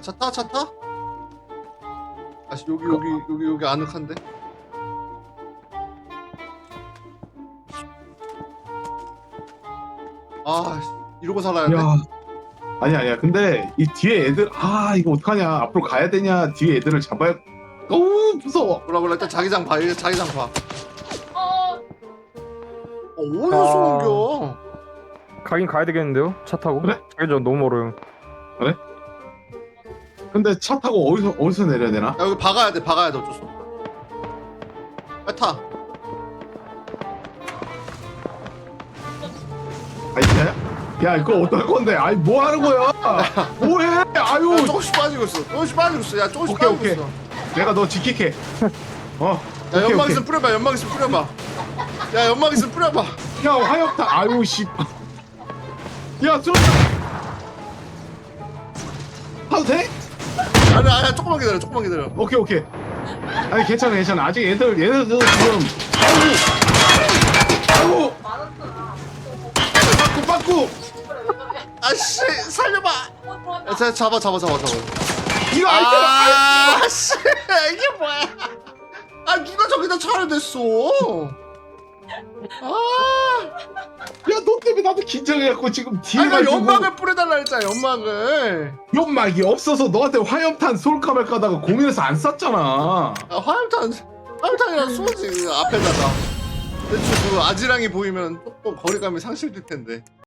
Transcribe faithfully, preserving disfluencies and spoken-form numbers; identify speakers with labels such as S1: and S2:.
S1: 차 타? 차 타? 아씨 여기 여기 여기 여기 아늑한데? 아 이러고 살아야 돼?
S2: 야. 아니야 아니야 근데 이 뒤에 애들 아 이거 어떡하냐 앞으로 가야 되냐 뒤에 애들을 잡아야 어우 무서워.
S1: 몰라 몰라 일단 자기장 봐 일단 자기장 봐.
S3: 어,
S1: 어, 어디서 옮겨?
S4: 가긴 가야 되겠는데요? 차 타고?
S2: 그래?
S4: 자기전 너무 멀어요.
S2: 근데 차 타고 어디서 어디서 내려야 되나?
S1: 야 여기 박아야 돼 박아야 돼 어쩔 수 없어. 빨리 타.
S2: 아이야? 야 이거 어떨 건데? 아이 뭐 하는 거야? 뭐해? 아유
S1: 야 조금씩 빠지고 있어 조금씩 빠지고 있어 야 조금씩
S2: 오케이,
S1: 빠지고
S2: 오케이.
S1: 있어.
S2: 내가 너 지킬게. 어.
S1: 야
S2: 오케이,
S1: 연막
S2: 오케이.
S1: 있으면 뿌려봐 연막 있으면 뿌려봐. 야 연막 있으면 뿌려봐.
S2: 야 화염탄 아유 씨. 야 쏘. 하도 돼?
S1: 아니 아니 조금만 기다려 조금만 기다려.
S2: 오케이 오케이. 아니 괜찮아 괜찮아 아직 얘들 얘네들 지금 아우 아우 빠꾸 빠꾸
S1: 아씨 살려봐. 야 자, 잡아 잡아 잡아 잡아.
S2: 이거 아이템
S1: 아씨 이게 뭐야? 아 누가 저기다 차를 댔어? 아,
S2: 야너 때문에 나도 긴장해갖고 지금 뒤에
S1: 아니 나
S2: 가지고
S1: 연막을 뿌려달라 했잖아 연막을.
S2: 연막이 없어서 너한테 화염탄 쏠까 말까 하다가 고민해서 안 쐈잖아.
S1: 아 화염탄 화염탄이랑 쏘지 그 앞에다가. 대충 그 아지랑이 보이면 조금 거리감이 상실될 텐데.